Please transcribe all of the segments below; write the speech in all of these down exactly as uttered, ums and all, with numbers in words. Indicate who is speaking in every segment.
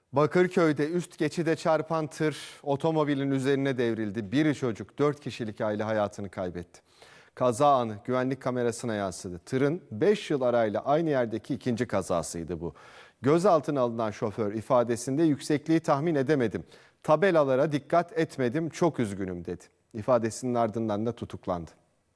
Speaker 1: Bakırköy'de üst geçide çarpan tır otomobilin üzerine devrildi. Bir çocuk, dört kişilik aile hayatını kaybetti. Kaza anı güvenlik kamerasına yansıdı. Tırın beş yıl arayla aynı yerdeki ikinci kazasıydı bu. Gözaltına alınan şoför ifadesinde yüksekliği tahmin edemedim. Tabelalara dikkat etmedim, çok üzgünüm dedi. İfadesinin ardından da tutuklandı.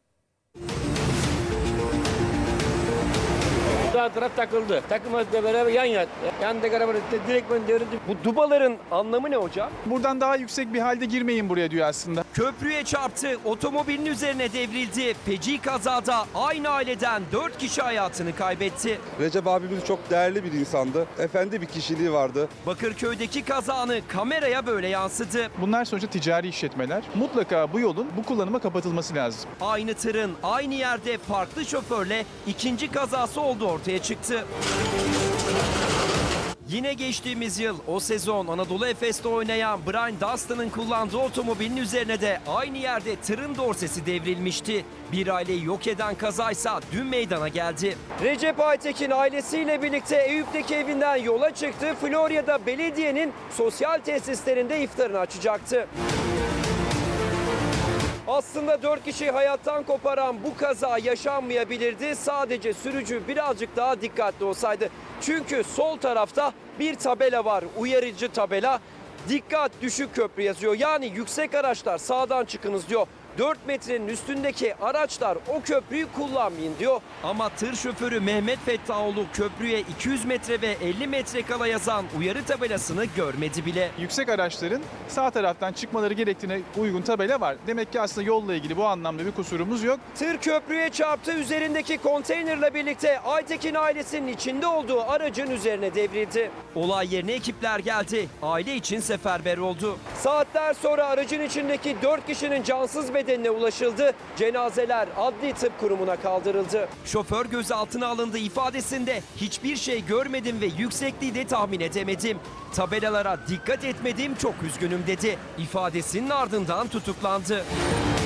Speaker 2: Sağ taraf takıldı. Takılmakla beraber yan yattı. Yandaki araba direkt devrildi. Bu dubaların anlamı ne hocam?
Speaker 3: Buradan daha yüksek bir halde girmeyin buraya diyor aslında.
Speaker 4: Köprüye çarptı, otomobilin üzerine devrildi. Feci kazada aynı aileden dört kişi hayatını kaybetti.
Speaker 5: Recep abimiz çok değerli bir insandı. Efendi bir kişiliği vardı.
Speaker 4: Bakırköy'deki kazanı kameraya böyle yansıdı.
Speaker 3: Bunlar sonuçta ticari işletmeler. Mutlaka bu yolun bu kullanıma kapatılması lazım.
Speaker 4: Aynı tırın aynı yerde farklı şoförle ikinci kazası oldu ortaya çıktı. Yine geçtiğimiz yıl o sezon Anadolu Efes'te oynayan Brian Dustin'ın kullandığı otomobilin üzerine de aynı yerde tırın dorsesi devrilmişti. Bir aileyi yok eden kazaysa dün meydana geldi. Recep Aytekin ailesiyle birlikte Eyüp'teki evinden yola çıktı. Florya'da belediyenin sosyal tesislerinde iftarını açacaktı. Aslında dört kişiyi hayattan koparan bu kaza yaşanmayabilirdi. Sadece sürücü birazcık daha dikkatli olsaydı. Çünkü sol tarafta bir tabela var, uyarıcı tabela. Dikkat düşük köprü yazıyor. Yani yüksek araçlar sağdan çıkınız diyor. dört metrenin üstündeki araçlar o köprüyü kullanmayın diyor. Ama tır şoförü Mehmet Fettahoğlu köprüye iki yüz metre ve elli metre kala yazan uyarı tabelasını görmedi bile.
Speaker 3: Yüksek araçların sağ taraftan çıkmaları gerektiğine uygun tabela var. Demek ki aslında yolla ilgili bu anlamda bir kusurumuz yok.
Speaker 4: Tır köprüye çarptı, üzerindeki konteynerle birlikte Aytekin ailesinin içinde olduğu aracın üzerine devrildi. Olay yerine ekipler geldi. Aile için seferber oldu. Saatler sonra aracın içindeki dört kişinin cansız bedenine ulaşıldı. Cenazeler adli tıp kurumuna kaldırıldı. Şoför gözaltına alındı, ifadesinde hiçbir şey görmedim ve yüksekliği de tahmin edemedim. Tabelalara dikkat etmedim, çok üzgünüm dedi. İfadesinin ardından tutuklandı.